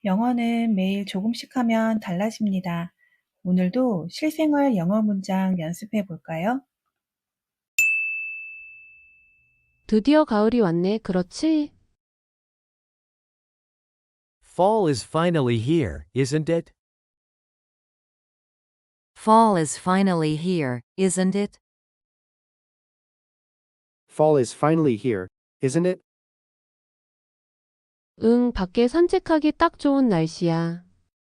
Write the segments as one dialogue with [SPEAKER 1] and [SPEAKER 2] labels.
[SPEAKER 1] 영어는 매일 조금씩 하면 달라집니다. 오늘도 실생활 영어 문장 연습해 볼까요?
[SPEAKER 2] 드디어 가을이 왔네, 그렇지?
[SPEAKER 3] Fall is finally here, isn't it?
[SPEAKER 4] Fall is finally here, isn't it?
[SPEAKER 5] Fall is finally here, isn't it?
[SPEAKER 2] 응, 밖에 산책하기 딱 좋은 날씨야.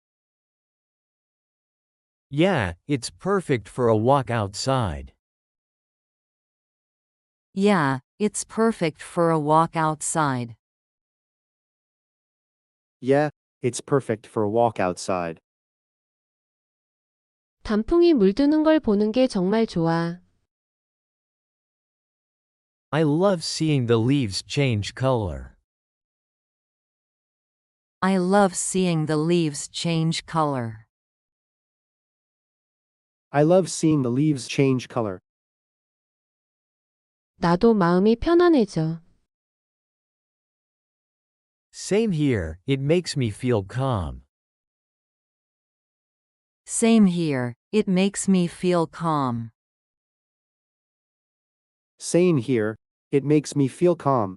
[SPEAKER 3] Yeah, it's perfect for a walk outside.
[SPEAKER 4] Yeah, it's perfect for a walk outside.
[SPEAKER 5] Yeah, it's perfect for a walk outside.
[SPEAKER 2] 단풍이 물드는 걸 보는 게 정말 좋아.
[SPEAKER 3] I love seeing the leaves change color.
[SPEAKER 4] I love seeing the leaves change color.
[SPEAKER 5] I love seeing the leaves change color.
[SPEAKER 2] 나도 마음이 편안해져.
[SPEAKER 3] Same here, it makes me feel calm.
[SPEAKER 4] Same here, it makes me feel calm.
[SPEAKER 5] Same here, it makes me feel calm.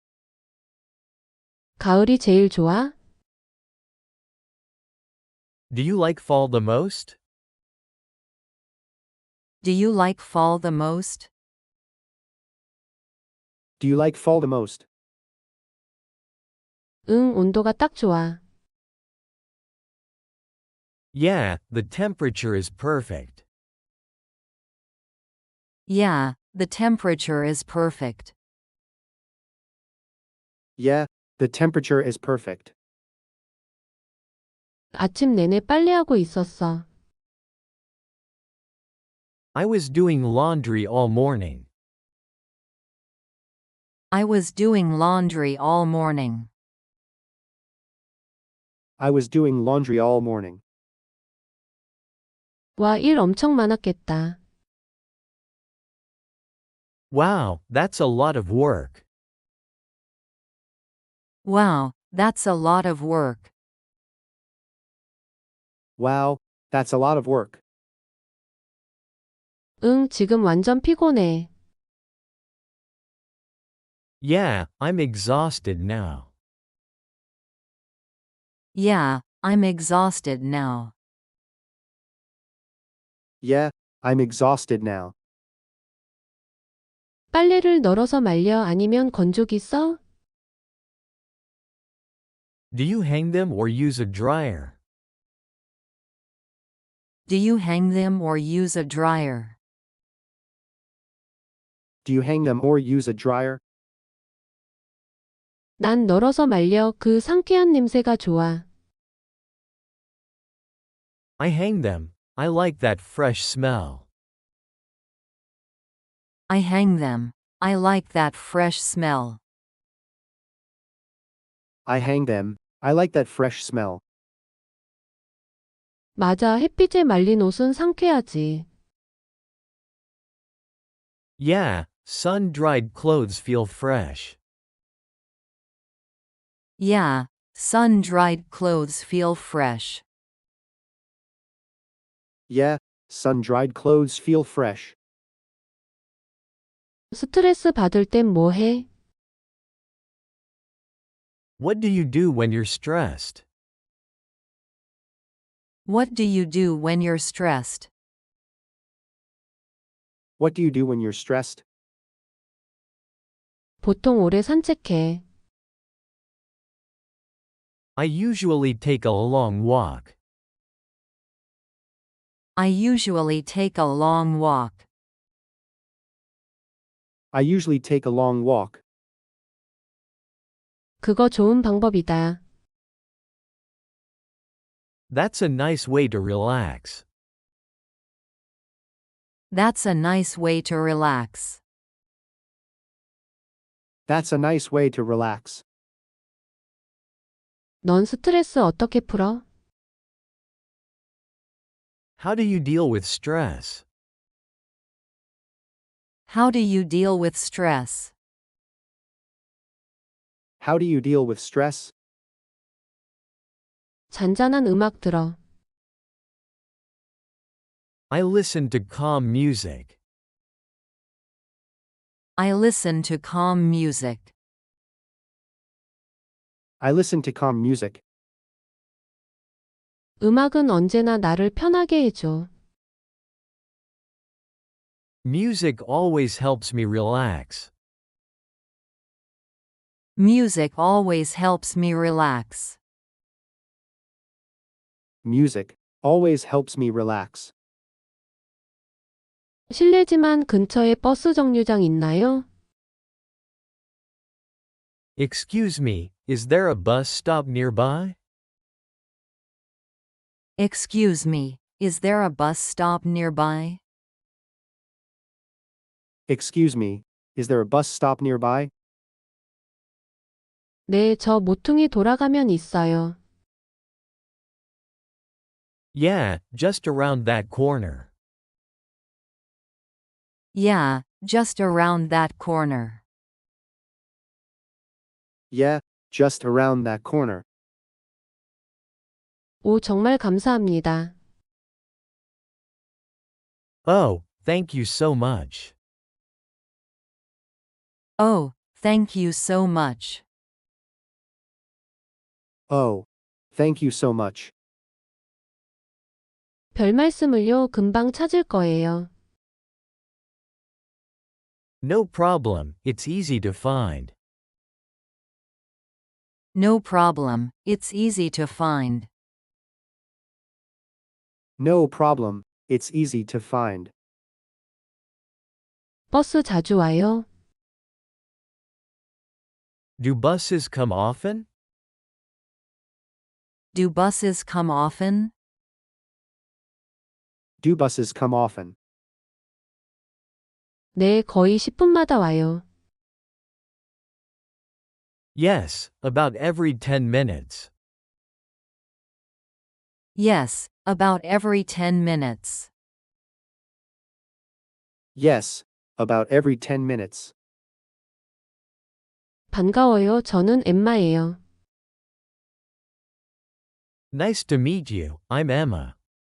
[SPEAKER 2] 가을이 제일 좋아?
[SPEAKER 3] Do you like fall the most?
[SPEAKER 4] Do you like fall the most?
[SPEAKER 5] Do you like fall the most?
[SPEAKER 2] 응, 온도가 딱 좋아.
[SPEAKER 3] Yeah, the temperature is perfect.
[SPEAKER 4] Yeah, the temperature is perfect.
[SPEAKER 5] Yeah, the temperature is perfect.
[SPEAKER 2] 아침 내내 빨래하고 있었어.
[SPEAKER 3] I was doing laundry all morning.
[SPEAKER 4] I was doing laundry all morning.
[SPEAKER 5] I was doing laundry all morning.
[SPEAKER 2] 와, 일 엄청 많았겠다.
[SPEAKER 3] Wow, that's a lot of work.
[SPEAKER 4] Wow, that's a lot of work.
[SPEAKER 5] Wow, that's a lot of work.
[SPEAKER 2] 응, 지금 완전 피곤해.
[SPEAKER 3] Yeah, I'm exhausted now.
[SPEAKER 4] Yeah, I'm exhausted now.
[SPEAKER 5] Yeah, I'm exhausted now.
[SPEAKER 2] 빨래를 널어서 말려 아니면 건조기 써?
[SPEAKER 3] Do you hang them or use a dryer?
[SPEAKER 4] Do you hang them or use a dryer?
[SPEAKER 5] Do you hang them or use a dryer?
[SPEAKER 2] 난 널어서 말려 그 상쾌한 냄새가 좋아.
[SPEAKER 3] I hang them. I like that fresh smell.
[SPEAKER 4] I hang them. I like that fresh smell.
[SPEAKER 5] I hang them. I like that fresh smell.
[SPEAKER 2] 맞아, 햇빛에 말린 옷은 상쾌하지.
[SPEAKER 3] Yeah, sun-dried clothes feel fresh.
[SPEAKER 4] Yeah, sun-dried clothes feel fresh.
[SPEAKER 5] Yeah, sun-dried clothes feel fresh.
[SPEAKER 2] 스트레스 받을 땐 뭐 해?
[SPEAKER 3] What do you do when you're stressed?
[SPEAKER 4] What do you do when you're stressed?
[SPEAKER 5] What do you do when you're stressed?
[SPEAKER 2] 보통 오래 산책해.
[SPEAKER 3] I usually take a long walk.
[SPEAKER 4] I usually take a long walk.
[SPEAKER 5] I usually take a long walk.
[SPEAKER 2] 그거 좋은 방법이다.
[SPEAKER 3] That's a nice way to relax.
[SPEAKER 4] That's a nice way to relax.
[SPEAKER 5] That's a nice way to relax.
[SPEAKER 2] 넌 스트레스 어떻게 풀어?
[SPEAKER 3] How do you deal with stress?
[SPEAKER 4] How do you deal with stress?
[SPEAKER 5] How do you deal with stress?
[SPEAKER 2] 잔잔한 음악 들어.
[SPEAKER 3] I listen to calm music.
[SPEAKER 4] I listen to calm music.
[SPEAKER 5] I listen to calm music.
[SPEAKER 2] 음악은 언제나 나를 편하게 해줘.
[SPEAKER 3] Music always helps me relax.
[SPEAKER 4] Music always helps me relax.
[SPEAKER 5] Music always helps me relax.
[SPEAKER 2] 실례지만 근처에 버스 정류장 있나요?
[SPEAKER 3] Excuse me, is there a bus stop nearby?
[SPEAKER 4] Excuse me, is there a bus stop nearby?
[SPEAKER 5] Excuse me, is there a bus stop nearby?
[SPEAKER 2] 네, 저 모퉁이 돌아가면 있어요.
[SPEAKER 3] Yeah, just around that corner.
[SPEAKER 4] Yeah, just around that corner.
[SPEAKER 5] Yeah, just around that corner.
[SPEAKER 2] 오, 정말 감사합니다.
[SPEAKER 3] Oh, thank you so much.
[SPEAKER 4] Oh, thank you so much.
[SPEAKER 5] Oh, thank you so much.
[SPEAKER 2] 별 말씀을요, 금방 찾을 거예요.
[SPEAKER 3] No problem, it's easy to find.
[SPEAKER 4] No problem, it's easy to find.
[SPEAKER 5] No problem, it's easy to find.
[SPEAKER 2] 버스 자주 와요?
[SPEAKER 3] Do buses come often?
[SPEAKER 4] Do buses come often?
[SPEAKER 5] Do buses come often?
[SPEAKER 2] 네, 거의 10분마다 와요.
[SPEAKER 3] Yes, about every 10 minutes.
[SPEAKER 4] Yes, about every 10 minutes.
[SPEAKER 5] Yes, about every 10 minutes.
[SPEAKER 2] 반가워요. 저는 엠마예요.
[SPEAKER 3] Nice to meet you, I'm Emma.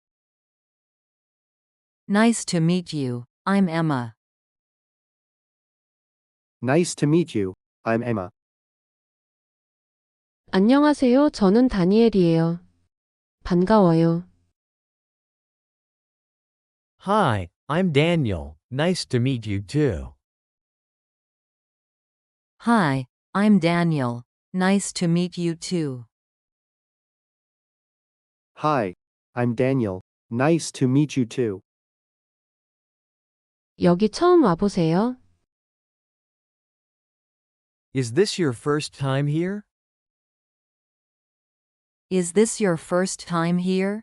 [SPEAKER 4] Nice to meet you, I'm Emma.
[SPEAKER 5] Nice to meet you, I'm Emma.
[SPEAKER 2] 안녕하세요. 저는 다니엘이에요. 반가워요.
[SPEAKER 3] Hi, I'm Daniel, nice to meet you too.
[SPEAKER 4] Hi, I'm Daniel. Nice to meet you too.
[SPEAKER 5] Hi, I'm Daniel. Nice to meet you too.
[SPEAKER 2] 여기 처음 와보세요.
[SPEAKER 3] Is this your first time here?
[SPEAKER 4] Is this your first time here?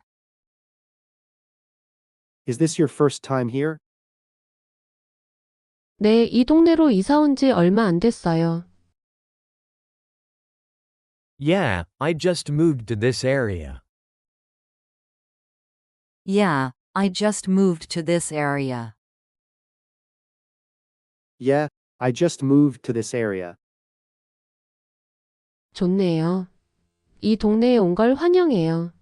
[SPEAKER 5] Is this your first time here?
[SPEAKER 2] 네, 이 동네로 이사 온 지 얼마 안 됐어요.
[SPEAKER 3] Yeah, I just moved to this area.
[SPEAKER 4] Yeah, I just moved to this area.
[SPEAKER 5] Yeah, I just moved to this area.
[SPEAKER 2] 좋네요. 이 동네에 온 걸 환영해요.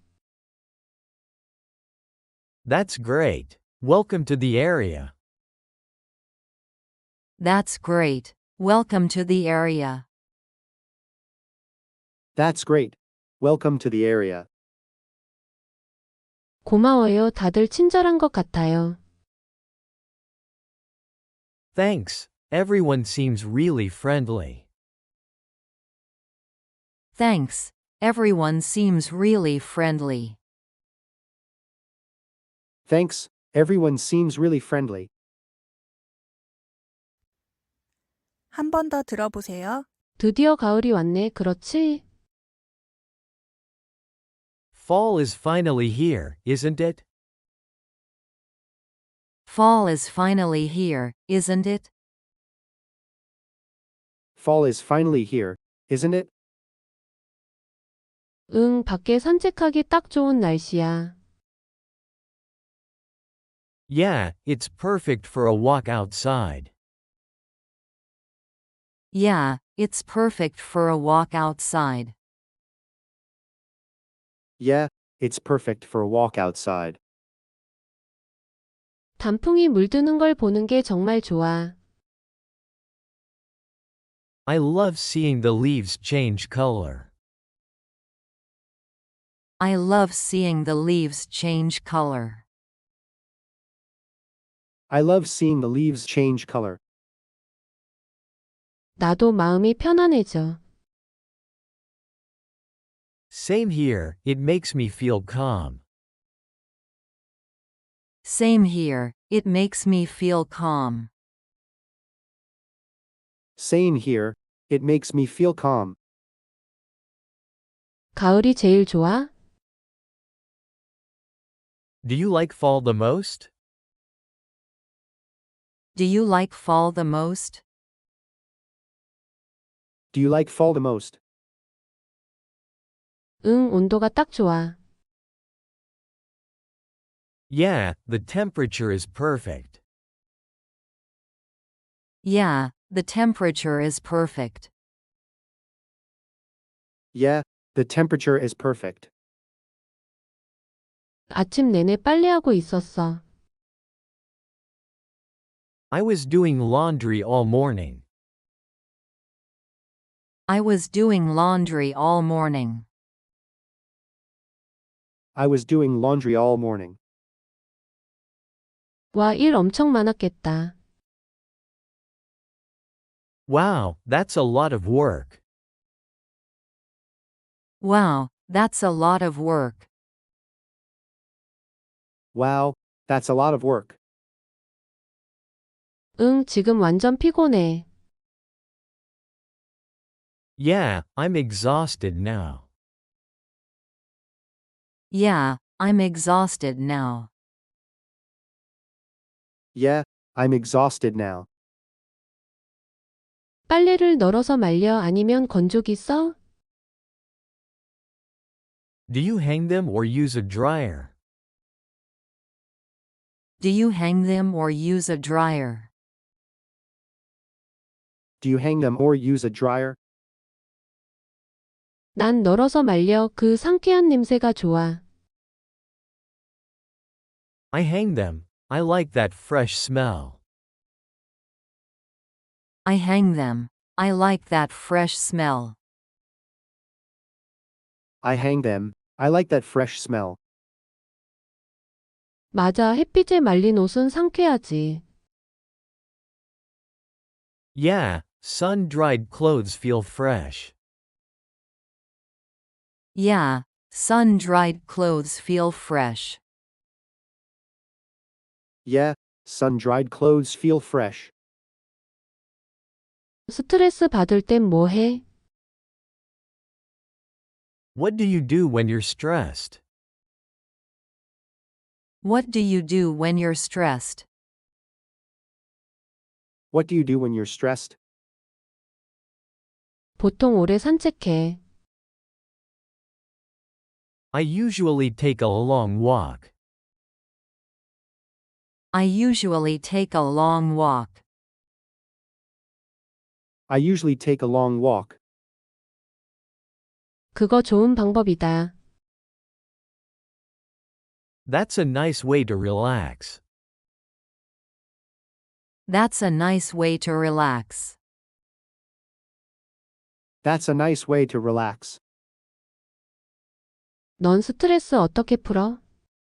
[SPEAKER 3] That's great. Welcome to the area.
[SPEAKER 4] That's great. Welcome to the area.
[SPEAKER 5] That's great. Welcome to the area.
[SPEAKER 2] 고마워요. 다들 친절한 것 같아요.
[SPEAKER 3] Thanks, everyone seems really friendly.
[SPEAKER 4] Thanks. Everyone seems really friendly.
[SPEAKER 5] Thanks, everyone seems really friendly.
[SPEAKER 1] 한 번 더 들어보세요.
[SPEAKER 2] 드디어 가을이 왔네. 그렇지?
[SPEAKER 3] Fall is finally here, isn't it?
[SPEAKER 4] Fall is finally here, isn't it?
[SPEAKER 5] Fall is finally here, isn't it?
[SPEAKER 2] 응, 밖에 산책하기 딱 좋은 날씨야.
[SPEAKER 3] Yeah, it's perfect for a walk outside.
[SPEAKER 4] Yeah, it's perfect for a walk outside.
[SPEAKER 5] Yeah, it's perfect for a walk outside.
[SPEAKER 2] 단풍이 물드는 걸 보는 게 정말 좋아.
[SPEAKER 3] I love seeing the leaves change color.
[SPEAKER 4] I love seeing the leaves change color.
[SPEAKER 5] I love seeing the leaves change color.
[SPEAKER 2] 나도 마음이 편안해져.
[SPEAKER 3] Same here, it makes me feel calm.
[SPEAKER 4] Same here, it makes me feel calm.
[SPEAKER 5] Same here, it makes me feel calm.
[SPEAKER 2] 가을이 제일 좋아?
[SPEAKER 3] Do you like fall the most?
[SPEAKER 4] Do you like fall the most?
[SPEAKER 5] Do you like fall the most?
[SPEAKER 2] 응, 온도가 딱 좋아.
[SPEAKER 3] Yeah, the temperature is perfect.
[SPEAKER 4] Yeah, the temperature is perfect.
[SPEAKER 5] Yeah, the temperature is perfect.
[SPEAKER 2] 아침 내내 빨래하고 있었어.
[SPEAKER 3] I was doing laundry all morning.
[SPEAKER 4] I was doing laundry all morning.
[SPEAKER 5] I was doing laundry all morning.
[SPEAKER 2] 와, 일 엄청 많았겠다.
[SPEAKER 3] Wow, that's a lot of work.
[SPEAKER 4] Wow, that's a lot of work.
[SPEAKER 5] Wow, that's a lot of work.
[SPEAKER 2] 응, 지금 완전 피곤해.
[SPEAKER 3] Yeah, I'm exhausted now.
[SPEAKER 4] Yeah, I'm exhausted now.
[SPEAKER 5] Yeah, I'm exhausted now.
[SPEAKER 2] 빨래를 널어서 말려 아니면 건조기 써?
[SPEAKER 3] Do you hang them or use a dryer?
[SPEAKER 4] Do you hang them or use a dryer?
[SPEAKER 5] Do you hang them or use a dryer?
[SPEAKER 2] 난 널어서 말려 그 상쾌한 냄새가 좋아.
[SPEAKER 3] I hang them. I like that fresh smell.
[SPEAKER 4] I hang them. I like that fresh smell.
[SPEAKER 5] I hang them. I like that fresh smell.
[SPEAKER 2] 맞아, 햇빛에 말린 옷은 상쾌하지.
[SPEAKER 3] Yeah, sun-dried clothes feel fresh.
[SPEAKER 4] Yeah, sun-dried clothes feel fresh.
[SPEAKER 5] Yeah, sun-dried clothes feel fresh.
[SPEAKER 2] 스트레스 받을 땐 뭐 해?
[SPEAKER 3] What do you do when you're stressed?
[SPEAKER 4] What do you do when you're stressed?
[SPEAKER 5] What do you do when you're stressed?
[SPEAKER 2] 보통 오래 산책해.
[SPEAKER 3] I usually take a long walk.
[SPEAKER 4] I usually take a long walk.
[SPEAKER 5] I usually take a long walk.
[SPEAKER 2] 그거 좋은 방법이다.
[SPEAKER 3] That's a nice way to relax.
[SPEAKER 4] That's a nice way to relax.
[SPEAKER 5] That's a nice way to relax.
[SPEAKER 2] 넌 스트레스 어떻게 풀어?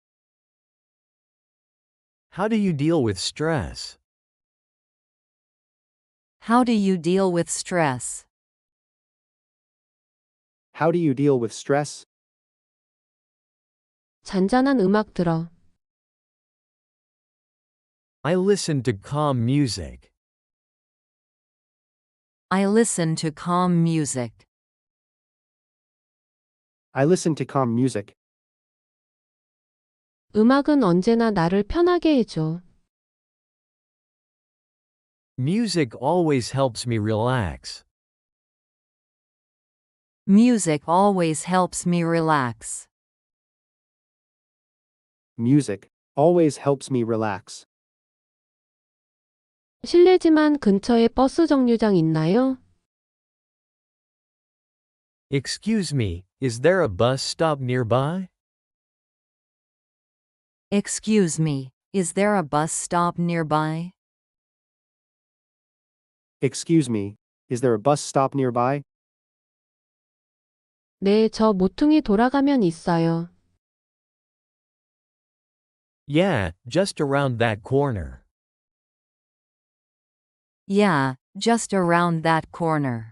[SPEAKER 3] How do you deal with stress?
[SPEAKER 4] How do you deal with stress?
[SPEAKER 5] How do you deal with stress?
[SPEAKER 2] 잔잔한 음악 들어.
[SPEAKER 3] I listen to calm music.
[SPEAKER 4] I listen to calm music.
[SPEAKER 5] I listen to calm music.
[SPEAKER 2] 음악은 언제나 나를 편하게 해줘.
[SPEAKER 3] Music always helps me relax.
[SPEAKER 4] Music always helps me relax.
[SPEAKER 5] Music always helps me relax.
[SPEAKER 2] 실례지만 근처에 버스 정류장 있나요?
[SPEAKER 3] Excuse me, Is there a bus stop nearby?
[SPEAKER 4] Excuse me, is there a bus stop nearby?
[SPEAKER 5] Excuse me, is there a bus stop nearby?
[SPEAKER 2] 네, 저 모퉁이 돌아가면 있어요.
[SPEAKER 3] Yeah, just around that corner.
[SPEAKER 4] Yeah, just around that corner.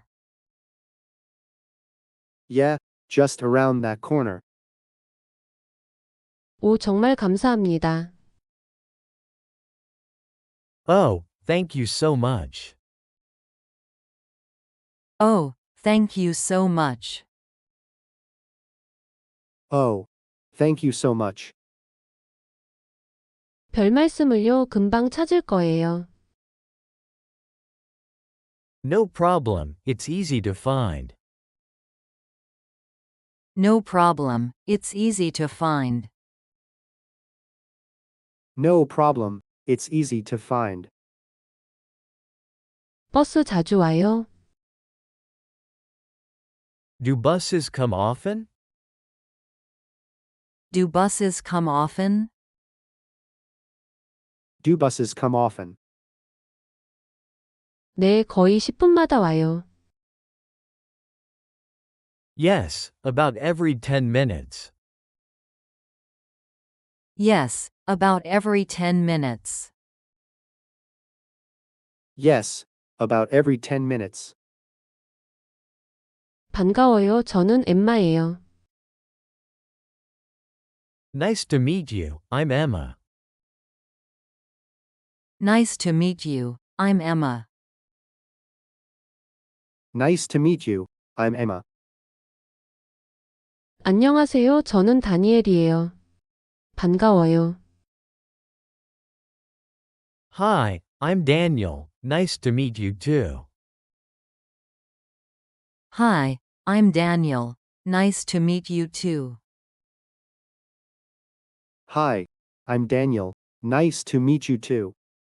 [SPEAKER 5] Yeah, just around that corner.
[SPEAKER 2] 오, 정말 감사합니다.
[SPEAKER 3] Oh, thank you so much.
[SPEAKER 4] Oh, thank you so much.
[SPEAKER 5] Oh, thank you so much.
[SPEAKER 2] 별 말씀을요, 금방 찾을 거예요.
[SPEAKER 3] No problem, it's easy to find.
[SPEAKER 4] No problem, it's easy to find.
[SPEAKER 5] No problem, it's easy to find.
[SPEAKER 2] 버스 자주 와요?
[SPEAKER 3] Do buses come often?
[SPEAKER 4] Do buses come often?
[SPEAKER 5] Do buses come often?
[SPEAKER 2] 네, 거의 10분마다 와요.
[SPEAKER 3] Yes, about every 10 minutes.
[SPEAKER 4] Yes, about every 10 minutes.
[SPEAKER 5] Yes, about every 10 minutes.
[SPEAKER 2] 반가워요. 저는 엠마예요.
[SPEAKER 3] Nice to meet you, I'm Emma.
[SPEAKER 4] Nice to meet you, I'm Emma.
[SPEAKER 5] Nice to meet you, I'm Emma.
[SPEAKER 2] 안녕하세요. 저는 다니엘이에요. 반가워요.
[SPEAKER 3] Hi, I'm Daniel, nice to meet you too.
[SPEAKER 4] Hi, I'm Daniel. Nice to meet you too.
[SPEAKER 5] Hi, I'm Daniel. Nice to meet you too.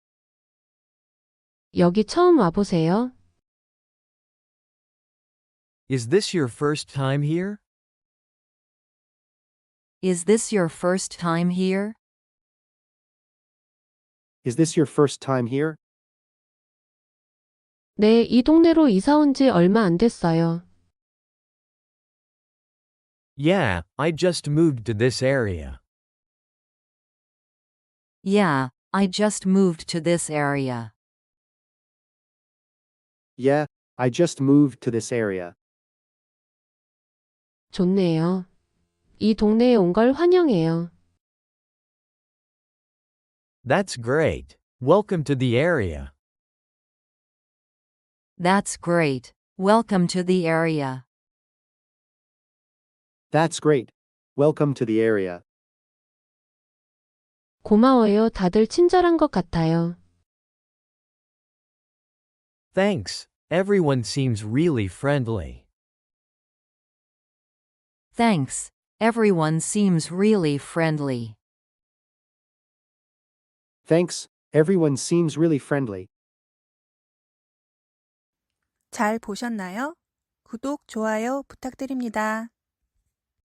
[SPEAKER 2] 여기 처음 와보세요.
[SPEAKER 3] Is this your first time here?
[SPEAKER 4] Is this your first time here?
[SPEAKER 5] Is this your first time here?
[SPEAKER 2] 네, 이 동네로 이사 온 지 얼마 안 됐어요.
[SPEAKER 3] Yeah, I just moved to this area.
[SPEAKER 4] Yeah, I just moved to this area.
[SPEAKER 5] Yeah, I just moved to this area.
[SPEAKER 2] 좋네요. 이 동네에 온 걸 환영해요.
[SPEAKER 3] That's great. Welcome to the area.
[SPEAKER 4] That's great. Welcome to the area.
[SPEAKER 5] That's great. Welcome to the area.
[SPEAKER 2] 고마워요. 다들 친절한 것 같아요.
[SPEAKER 3] Thanks, everyone seems really friendly.
[SPEAKER 4] Thanks. Everyone seems really friendly.
[SPEAKER 5] Thanks, everyone seems really friendly.
[SPEAKER 1] 잘 보셨나요? 구독, 좋아요 부탁드립니다.